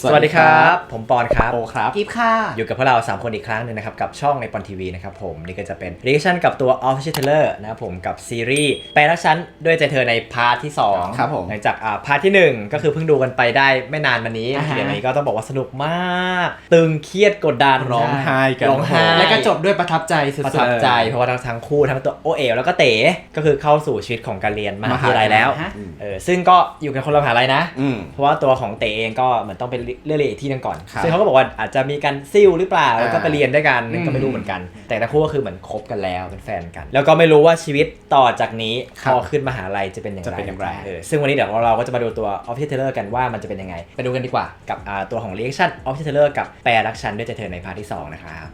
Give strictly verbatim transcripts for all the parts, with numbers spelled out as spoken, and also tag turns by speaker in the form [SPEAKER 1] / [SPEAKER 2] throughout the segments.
[SPEAKER 1] สวัสดีครับผมปอนครับ
[SPEAKER 2] โอครับ
[SPEAKER 3] กิฟค่ะ
[SPEAKER 1] อยู่กับพวกเราสามคนอีกครั้งหนึ่งนะครับกับช่องในปอนทีวีนะครับผมนี่ก็จะเป็นรีแอคชั่นกับตัว Official Trailer นะครับผมกับซีรีส์แปลรักฉันด้วยใจเธอในพาร์ทที่สอง
[SPEAKER 2] ครับผม
[SPEAKER 1] หลังจากอ่าพาร์ทที่หนึ่งก็คือเพิ่งดูกันไปได้ไม่นานมานี้เดี๋ยวนี้ก็ต้องบอกว่าสนุกมากตึงเครียดกดดัน
[SPEAKER 2] ร้องไห้กัน
[SPEAKER 1] ร้องไห้
[SPEAKER 3] แล้วก็จบด้วยประทับใจสุดๆ
[SPEAKER 1] ประทับใจเพราะว่าทั้งคู่ทั้งตัวโอเอ๋วแล้วก็เต๋ก็คือเข้าสู่ชีวิตของการเรียนมหาวิทยาลัยแล้วเออซึ่งก็อยู่กันคนละมหาลัยนะเพราะว่าตัวของเต๋เองก็เหมือนต้องไปเรียนอีกที่นึงก่อนซึ่งเขาก็บอกว่าอาจจะมีการซิ่วหรือเปล่าแล้วก็ไปเรียนด้วยกันก็ไม่รู้เหมือนกันแต่ทั้งคู่ก็คือเหมือนคบกันแล้วเป็นแฟนกันแล้วก็ไม่รู้ว่าชีวิตต่อจากนี้พอขึ้นมหาลัยจะเป็นอย่างไรเออซึ่งวันนี้เดี๋ยวเราก็จะมาดูตัว Official Trailer กันว่ามันจะเป็นยังไงไปดูกันดีกว่ากับตัวของ Reaction Official Trailer กับแปลรักฉันด้วยใจเธอในพาร์ทที่สองนะครับ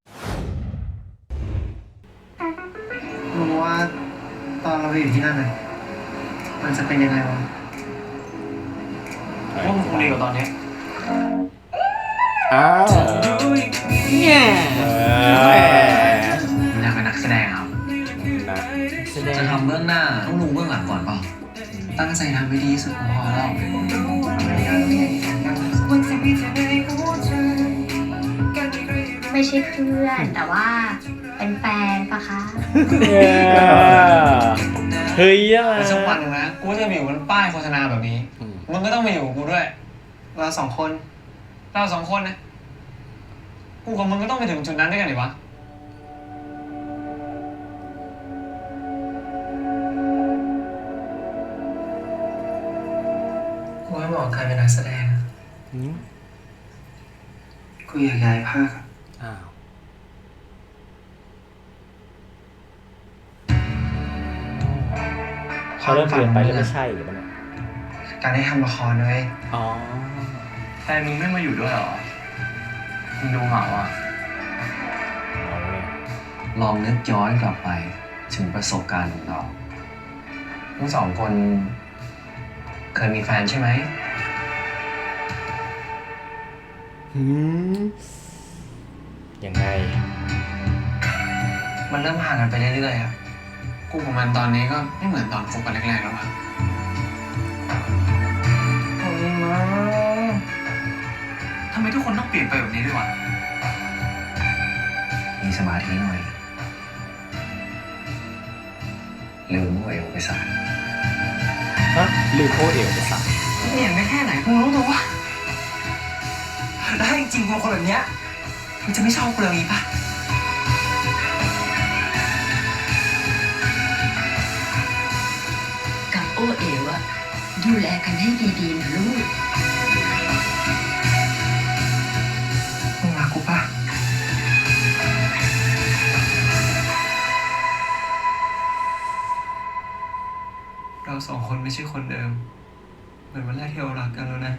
[SPEAKER 4] รู้ว่าตอนเราอยู่ที่นั่นน่ะมันจะเป็นยังไงวะว่ามันคงดีกว่าตอนนี้
[SPEAKER 2] อ้าว
[SPEAKER 3] เนี่ย
[SPEAKER 4] อยากเป็นนักแสดงครับ
[SPEAKER 2] นะ
[SPEAKER 3] แสดง
[SPEAKER 4] จะทำเบื้องหน้าต้องรู้เบื้องหลังก่อนเปล่าตั้งใจทำให้ดีที่สุดพอแล้ว
[SPEAKER 5] ไม่ใช่เพื่อนแต่ว่าเป็นแฟนปะคะ
[SPEAKER 1] เฮ้ยอะไร
[SPEAKER 4] สักวันนึงนะกูจะมีอยู่บนป้ายโฆษณาแบบนี้มึงก็ต้องมาอยู่กับกูด้วยเราสองคนเราสองคนนะกูกับมึงก็ต้องไปถึงจุดนั้นด้วยกันดิวะกูไม่บอกใครเป็นนักแสดงกูอยากย้ายภาค
[SPEAKER 2] อ้าว
[SPEAKER 1] เขาเริ่มเปลี่ยนไปแล้วไม่ใช่หรือเปล่าเนี่ย
[SPEAKER 4] การได้ทำละครเลย
[SPEAKER 2] อ๋อ
[SPEAKER 4] แฟนมึงไม่มาอยู่ด้วยหรอมึงดูเหงาอ่ะ
[SPEAKER 1] เอาเนี่ย
[SPEAKER 4] ลองนึกย้อนกลับไปถึงประสบการณ์ของเราทั้งสองคนเคยมีแฟนใช่ไหม
[SPEAKER 2] หืม
[SPEAKER 1] ยังไง
[SPEAKER 4] มันเริ่มห่างกันไปเรื่อยๆครับกูกับมันตอนนี้ก็ไม่เหมือนตอนคบกันแรกๆแล้วอะโอ้ยมาทำไมทุกคนต้องเปลี่ยนไปแบบนี้ด้วยวะมีสมาธิหน่อยลืมว่าเอวไปสาย
[SPEAKER 2] ฮะลืมโอเอ๋วไปสั่ง
[SPEAKER 4] เปลี่ยนไปแค่ไหนกูรู้ตัววะแล้วถ้าจริงๆกูคนแบบเนี้ยมึงจะไม่ชอบกูเลยปะ
[SPEAKER 5] กับโอเอ๋วอะดูแลกันให้ดีๆนะลูก
[SPEAKER 4] มึงรักกูปะเราสองคนไม่ใช่คนเดิมเหมือนวันแรกที่เรารักกันแล้วนะ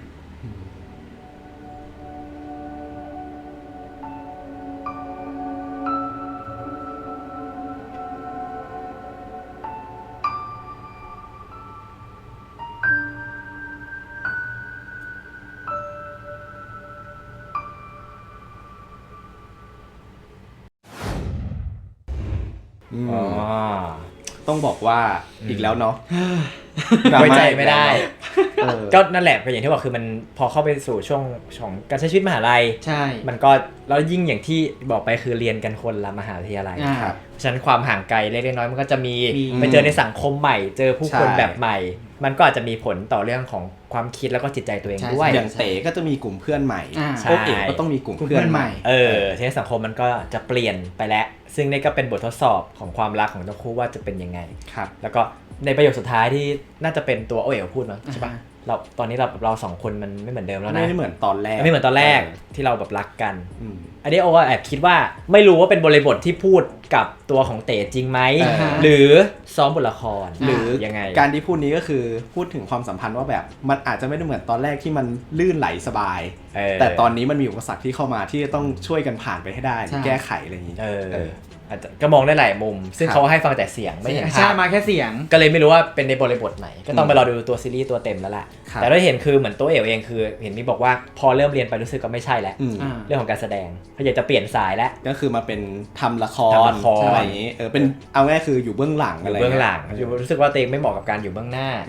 [SPEAKER 2] อืม
[SPEAKER 1] อ๋อ
[SPEAKER 2] ต้องบอกว่าอีกแล้วเนาะ
[SPEAKER 1] ไว้ใจไม่ได้
[SPEAKER 2] เออ
[SPEAKER 1] ก็นั่นแหละเป็นอย่างที่บอกคือมันพอเข้าไปสู่ช่วงของการใช้ชีวิตมหาลัย
[SPEAKER 3] ใช่
[SPEAKER 1] มันก็แล้วยิ่งอย่างที่บอกไปคือเรียนกันคนละมหาวิทยาลัย
[SPEAKER 3] อ่า
[SPEAKER 2] ครับ
[SPEAKER 1] เพราะฉะนั้นความห่างไกลเล็กๆน้อยๆมันก็จะมี
[SPEAKER 3] มี
[SPEAKER 1] ไปเจอในสังคมใหม่ เจอผู้คน
[SPEAKER 2] ใช่
[SPEAKER 1] แบบใหม่ มันก็อาจจะมีผลต่อเรื่องของความคิดแล้วก็จิตใจตัวเอง
[SPEAKER 3] ใช่
[SPEAKER 1] ด้วย
[SPEAKER 2] อย่างเต๋ก็จะมีกลุ่มเพื่อนใหม่
[SPEAKER 3] อ่า
[SPEAKER 1] ใช่
[SPEAKER 2] โอเอ๋วก็ต้องมีกลุ่มเพื่อนใหม่
[SPEAKER 1] เออทีนี้สังคมมันก็จะเปลี่ยนไปแล้ว ซึ่งนี่ก็เป็นบททดสอบของความรักของทั้งคู่ว่าจะเป็นยังไง
[SPEAKER 2] ครับ
[SPEAKER 1] แล้วก็ในประโยคสุดท้ายที่น่าจะเป็นตัวโอเอ๋วพูดมั้งใช่ปะ
[SPEAKER 3] อ่า
[SPEAKER 1] เราตอนนี้เราเราสองคนมันไม่เหมือนเดิมแล้วนะ
[SPEAKER 2] ไม่ได้เหมือนตอนแรก
[SPEAKER 1] ไม่เหมือนตอนแรกที่เราแบบรักกัน
[SPEAKER 2] อืม
[SPEAKER 1] อันนี้โอก็แอบคิดว่าไม่รู้ว่าเป็นบริบทที่พูดกับตัวของเต๋จริงไหม
[SPEAKER 2] อ่าฮะ
[SPEAKER 1] หรือซ้อมบทละคร
[SPEAKER 2] หรือ
[SPEAKER 1] ยังไง
[SPEAKER 2] การที่พูดนี้ก็คือพูดถึงความสัมพันธ์ว่าแบบมันอาจจะไม่ได้เหมือนตอนแรกที่มันลื่นไหลสบาย
[SPEAKER 1] เออ
[SPEAKER 2] แต่ตอนนี้มันมีอุปสรรคที่เข้ามาที่ต้องช่วยกันผ่านไปให้ได้
[SPEAKER 3] ใช่
[SPEAKER 2] แก้ไขอะไรอย่างนี้
[SPEAKER 1] เออ
[SPEAKER 2] เออ
[SPEAKER 1] อาจจะก็มองได้หลายมุม ซึ่ง
[SPEAKER 2] ครับ
[SPEAKER 1] เขาให้ฟังแต่เสียงไม่เห็น
[SPEAKER 3] ใช่
[SPEAKER 1] ภาพ
[SPEAKER 3] มาแค่เสียง
[SPEAKER 1] ก็เลยไม่รู้ว่าเป็นในบริบทไหน ก็ต้อง
[SPEAKER 2] อืม
[SPEAKER 1] ไปรอดูตัวซีรีส์ตัวเต็มแล้วแหละ
[SPEAKER 2] ครับ
[SPEAKER 1] แต่เราเห็นคือเหมือนตัวเอ๋วเองคือเห็นมีบอกว่าพอเริ่มเรียนไปรู้สึกก็ไม่ใช่แล้ว
[SPEAKER 2] อืม
[SPEAKER 3] อ่า
[SPEAKER 1] เรื่องของการแสดงเขาอยากจะเปลี่ยนสายแล้ว
[SPEAKER 2] ก็คือมาเป็นทำละค
[SPEAKER 1] ทำ
[SPEAKER 2] ร
[SPEAKER 1] ละคร
[SPEAKER 2] อะไรอย่างนี้เออเป็นเอาง่ายคืออยู่เบื้องหลัง
[SPEAKER 1] อ
[SPEAKER 2] อะไร
[SPEAKER 1] ยู่เบื้องหลัง
[SPEAKER 2] เงี้ย
[SPEAKER 1] อยู่รู้สึกว่าตัวเองไม่เหมาะกับการอยู่เบื้องหน้า
[SPEAKER 2] อืม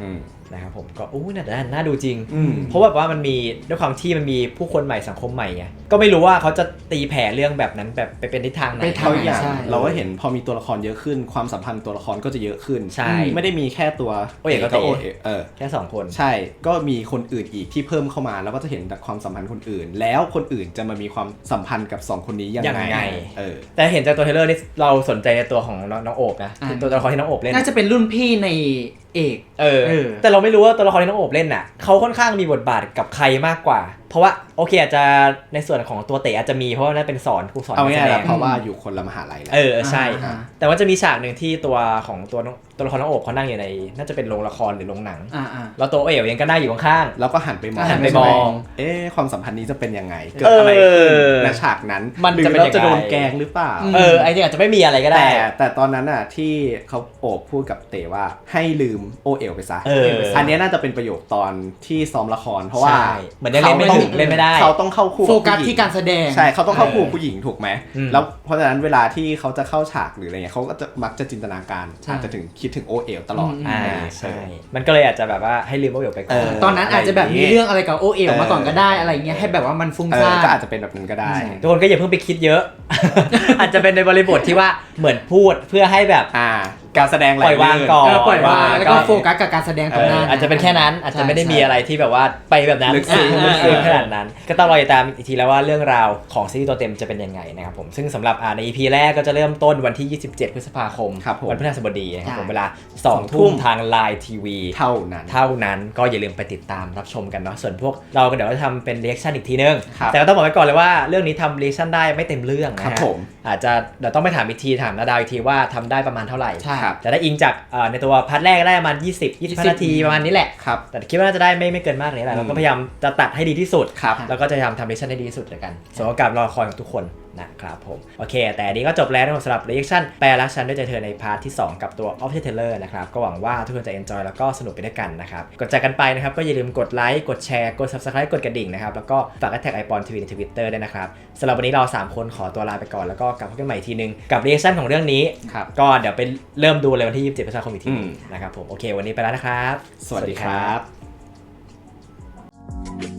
[SPEAKER 1] นะครับผมก็อู้น่าน่าดูจริง
[SPEAKER 2] อืม
[SPEAKER 1] เพราะแบบว่ามันมีด้วยความที่มันมีผู้คนใหม่สังคมใหม่ไงก็ไม่รู้ว่าเขาจะตีแผ่เรื่องแบบนั้นแบบไปเป็นทิศทางไหน
[SPEAKER 3] ไปท
[SPEAKER 2] เขาอย่าง
[SPEAKER 3] ใช่
[SPEAKER 2] เราก็เห็นพอมีตัวละครเยอะขึ้นความสัมพันธ์ตัวละครก็จะเยอะขึ้น
[SPEAKER 1] ใช่
[SPEAKER 2] ไม่ได้มีแค่ตัว
[SPEAKER 1] โอเอ๋กับ
[SPEAKER 2] กับ
[SPEAKER 1] เต๋
[SPEAKER 2] โอเอ๋เออ
[SPEAKER 1] แค่สองคน
[SPEAKER 2] ใช่ก็มีคนอื่นอีกที่เพิ่มเข้ามาแล้วก็จะเห็นความสัมพันธ์คนอื่น แล้วคนอื่นจะมามีความสัมพันธ์กับสองคนนี้ยัง
[SPEAKER 1] ยัง
[SPEAKER 2] ไง
[SPEAKER 1] ไง
[SPEAKER 2] เออ
[SPEAKER 1] แต่เห็นจากตัวเทรลเลอร์นี่เราสนใจในตัวของน้องน้องโอบนะ
[SPEAKER 3] อ่า
[SPEAKER 1] ตัวละครที่น้องโอบเล่น
[SPEAKER 3] น่าจะเป็นรุ่นพี่ในเอก
[SPEAKER 1] เออ
[SPEAKER 3] เออ
[SPEAKER 1] แต่เราไม่รู้ว่าตัวละครที่น้องโอบเล่นน่ะเขาค่อนข้างมีบทบาทกับใครมากกว่า เพราะว่าโอเคอาจจะในส่วนของตัวเต๋อาจจะมีเพราะว่านั่นเป็นสอนครูสอน
[SPEAKER 2] เอา
[SPEAKER 1] กร
[SPEAKER 2] ง่ายๆ
[SPEAKER 1] แสด
[SPEAKER 2] แล้ว
[SPEAKER 1] ง
[SPEAKER 2] เพราะว่าอยู่คนละมหาลัยแล้ว
[SPEAKER 1] เออใช่
[SPEAKER 3] อ่า
[SPEAKER 1] แต่ว่าจะมีฉากหนึ่งที่ตัวของตัวน้องตัวละครน้องโอบเขานั่งอยู่ในน่าจะเป็นโรงละครหรือโรงหนัง
[SPEAKER 3] อ่าอ่า
[SPEAKER 1] แล้วตัวเอ๋ยังก็นั่งอยู่ข้าง
[SPEAKER 2] แล้วก็หันไปมอง
[SPEAKER 1] หันไปมอง
[SPEAKER 2] เอ๊ะความสัมพันธ์นี้จะเป็นยังไงเกิดอะไรขึ้น
[SPEAKER 1] เออ
[SPEAKER 2] ในฉากนั้น
[SPEAKER 1] มัน
[SPEAKER 2] หรือ
[SPEAKER 1] จะเป็น
[SPEAKER 2] เรา
[SPEAKER 1] ยังไง
[SPEAKER 2] จะโดนแกล้งหรือเปล่า
[SPEAKER 1] ๆเออไอ้จริงอาจจะไม่มีอะไรก็ได้
[SPEAKER 2] แต่แต่ตอนนั้นน่ะที่เขาโอบพูดกับเต๋ว่าให้ลืมโอเอ๋วไปซะ
[SPEAKER 1] เออ
[SPEAKER 2] อันเนี้ยน่าจะเป็นประโยคตอนที่ซ้อมละครเพราะว่า
[SPEAKER 1] ใช่เหมือนยังเล่นไม่ถึงเล่นไม่ได้
[SPEAKER 2] เขาต้องเข้าคู่
[SPEAKER 3] โฟกัส
[SPEAKER 2] ผู้หญิง
[SPEAKER 3] ที่การแสดง
[SPEAKER 2] ใช่เขาต้องเข้าคู่
[SPEAKER 1] เออ
[SPEAKER 2] ผู้หญิงถูกไหม
[SPEAKER 1] อืม
[SPEAKER 2] แล้วเพราะฉะนั้นเวลาที่เขาจะเข้าฉากหรืออะไรเงี้ยเขาก็จะมักจะจินตนาการ
[SPEAKER 3] ใช่
[SPEAKER 2] อาจจะถึงคิดถึงโอเอ๋วตลอด
[SPEAKER 3] อืม
[SPEAKER 1] อ่า
[SPEAKER 2] เออ
[SPEAKER 1] ใช่ มันก็เลยอาจจะแบบว่าให้ลืมโอเอ๋ไปก่
[SPEAKER 2] เอ
[SPEAKER 1] อน
[SPEAKER 2] อ
[SPEAKER 3] ตอนนั้นอาจจะแบบมีเรื่องอะไรกับโอเอลมาก่อนก็ได้อะไรเงี้ยให้แบบว่ามันฟุ้ง
[SPEAKER 2] เอ
[SPEAKER 3] ซ่า
[SPEAKER 2] อน ก็อาจจะเป็นแบบนั้นก็ได้
[SPEAKER 1] ทุกคนก็อย่าเพิ่งไปคิดเยอะ อาจจะเป็นในบริบทที่ว่าเหมือนพูดเพื่อให้แบบ
[SPEAKER 2] อ่า การแสดงไหล
[SPEAKER 1] ปล่อยวาง
[SPEAKER 2] ลื่น
[SPEAKER 1] ก่อน
[SPEAKER 3] เออปล่อยวางแล้วก็
[SPEAKER 1] ก็
[SPEAKER 3] โฟกัสกับการแสดงตรงหน้า
[SPEAKER 1] เอออาจจะเป็นแค่นั้นอาจจะไม่ได้มีอะไรที่แบบว่าไปแบบนั้น
[SPEAKER 2] ลึกซึ้ง
[SPEAKER 1] ลึกซึ้งขนาดนั้น ก็ต้องรอติดตามอีกทีแล้วว่าเรื่องราวของซีรีส์ตัวเต็มจะเป็นยังไงนะครับผมซึ่งสำหรับอ่าใน อี พี แรกก็จะเริ่มต้นวันที่ ยี่สิบเจ็ด พฤษภาคม
[SPEAKER 2] ครับผม
[SPEAKER 1] วันพฤหัสบดีนะครับผม
[SPEAKER 3] ใช่
[SPEAKER 1] เวลาสองทุ่มทาง ไลน์ ที วี
[SPEAKER 2] เท่านั้น
[SPEAKER 1] เท่านั้นก็อย่าลืมไปติดตามรับชมกันเนาะส่วนพวกเราก็เดี๋ยวเราจะทำเป็นเรีแอคชั่นอีกทีนึง
[SPEAKER 2] ครับ
[SPEAKER 1] แต่ก็ต้องบอกไว้ก่อนเลยว่าเรื่องนี้ทำเรีแอคชั่นได้ไม่เต็มเรื่องนะ
[SPEAKER 2] ครั
[SPEAKER 1] ฮะ
[SPEAKER 2] บผม
[SPEAKER 1] อาจจะเดี๋ยวต้องไปถามอีกทีถามนาดาวอีกทีว่าทำได้ประมาณเท่าไหร่
[SPEAKER 3] ใช่
[SPEAKER 2] ครับ
[SPEAKER 1] แต่ได้อิงจากเอ่อในตัวพาร์ทแรกได้ประมาณยี่สิบ ยี่สิบห้านาทีประมาณนี้แหละ
[SPEAKER 2] ครับ
[SPEAKER 1] แต่คิดว่าน่าจะได้ไม่ไม่เกินมากนี้แหละ
[SPEAKER 2] อืม
[SPEAKER 1] เราก็พยายามจะตัดให้ดีที่สุด
[SPEAKER 2] ครับ
[SPEAKER 1] แล้วก็จะพยายามทำเรีแอคชั่นให้ดีที่สุดเลยกันส่วนโอกาสรอคอยของทุกคนนะครับผมโอเค แต่อันนี้ก็จบแล้วนะครับสำหรับ reaction แปลรักฉันด้วยใจเธอในพาร์ทที่สองกับตัว Official Trailer นะครับก็หวังว่าทุกคนจะ enjoy แล้วก็สนุกไปด้วยกันนะครับกดใจกันไปนะครับก็อย่าลืมกดไลค์กดแชร์กด subscribe กดกระดิ่งนะครับแล้วก็ฝากแท็กไอปอนทีวีใน Twitter ด้วยนะครับสำหรับวันนี้เราสามคนขอตัวลาไปก่อนแล้วก็กลับพบกันใหม่อีกทีนึงกับ reaction ของเรื่องนี้
[SPEAKER 2] ครับ
[SPEAKER 1] ก็เดี๋ยวไปเริ่มดูเลยวันที่ยี่สิบเจ็ดพฤษภาคมอีกที
[SPEAKER 2] อืม
[SPEAKER 1] นะครับผมโอเควันนี้ไปแล้วนะครับ
[SPEAKER 2] สวัสดีครับ
[SPEAKER 1] สวัสดีครับ